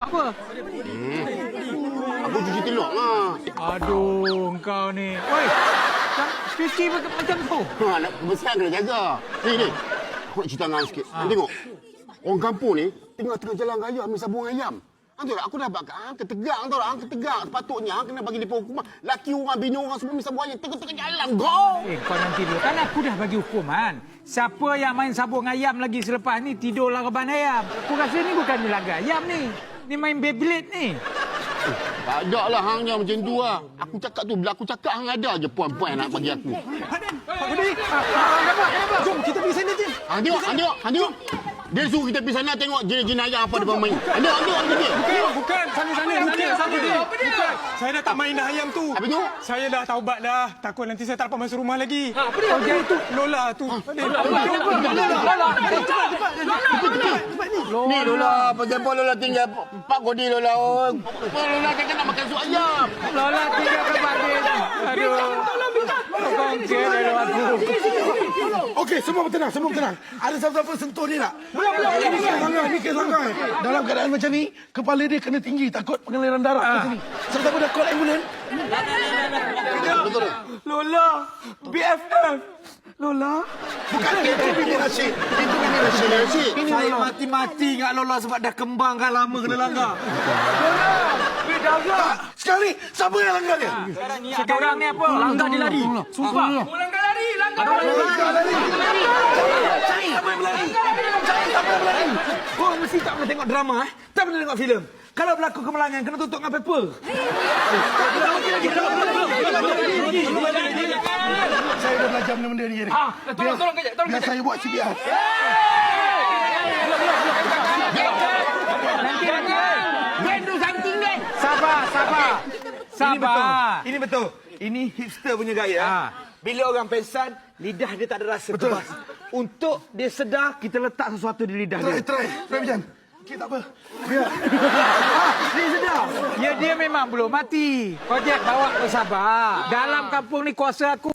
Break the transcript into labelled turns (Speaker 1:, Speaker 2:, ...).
Speaker 1: apa?
Speaker 2: Aku cuci telur lah.
Speaker 1: Aduh, engkau ni. Oi, cuci macam tu.
Speaker 2: Nak besar kena jaga. Ni. Aku nak cerita dengan sikit. Tengok. Orang kampung ni, tengah-tengah jalan raya ambil sabung ayam. Tahu tak, aku dah bakar, ketegang tahu tak, ketegang. Sepatutnya kena bagi dia hukuman. Laki orang, bini orang semua ambil sabung ayam. Tengah-tengah jalan, go!
Speaker 1: Kau nanti dulu. Kan aku dah bagi hukuman. Siapa yang main sabung ayam lagi selepas ni, tidurlah reban ayam. Aku rasa ni bukan laga ayam ni. Ni main Beyblade ni.
Speaker 2: Tak ada lah hangnya macam tu lah. Aku cakap tu, bila aku cakap hang ada je puan-puan nak bagi aku.
Speaker 3: Pak Gudi. Kenapa? Jom kita pergi sana je.
Speaker 2: Hang tengok. Dia suruh kita pergi sana tengok jenayah apa dia main. Tengok dia.
Speaker 3: Bukan. Sana. Bukan. Saya dah tak main dah ayam tu.
Speaker 2: Apa tu?
Speaker 3: Saya dah taubat dah. Takut nanti saya tak dapat masuk rumah lagi.
Speaker 1: Apa dia?
Speaker 3: Itu Lola tu.
Speaker 2: Ni Lola, pasal Lola tinggal Pak Godi Lola. Lola kan nak makan sup ayam.
Speaker 1: Lola tinggal ke batin. Aduh. Kongkir dari aku.
Speaker 4: Okey, semua tenang. Ada siapa-siapa sentuh dia tak? Belum. Ni kes langgar. Dalam keadaan macam ni, kepala dia kena tinggi. Takut pengaliran darah kat sini. Siapa-siapa dah call ambulans?
Speaker 2: Betul.
Speaker 3: Lola. BFF. Lola.
Speaker 4: Bukan itu Bibi Rashid. Itu Bibi Rashid.
Speaker 3: Saya mati-mati ingat Lola sebab dah kembang kan lama kena langgar.
Speaker 4: Tak. Sekali, siapa yang langgar dia?
Speaker 1: Sekarang ni apa? Langgar dia lari. Sumpah.
Speaker 3: Langgar lari.
Speaker 4: Siapa yang berlari?
Speaker 3: Kau mesti tak pernah tengok drama, tak pernah tengok filem. Kalau berlaku kemalangan, kena tutup dengan paper.
Speaker 4: Saya dah belajar benda-benda ni.
Speaker 1: Tolong kejap.
Speaker 4: Biar saya buat CPR.
Speaker 1: Nanti Sabar.
Speaker 3: Ini betul. Ini hipster punya gaya. Bila orang pengsan, lidah dia tak ada rasa.
Speaker 4: Betul.
Speaker 3: Untuk dia sedar, kita letak sesuatu di lidah dia.
Speaker 4: Try macam. Okey, tak apa. Biar.
Speaker 3: Dia sedar.
Speaker 1: Ya, dia memang belum mati. Kau Jack bawa bersabar. Dalam kampung ni kuasa aku.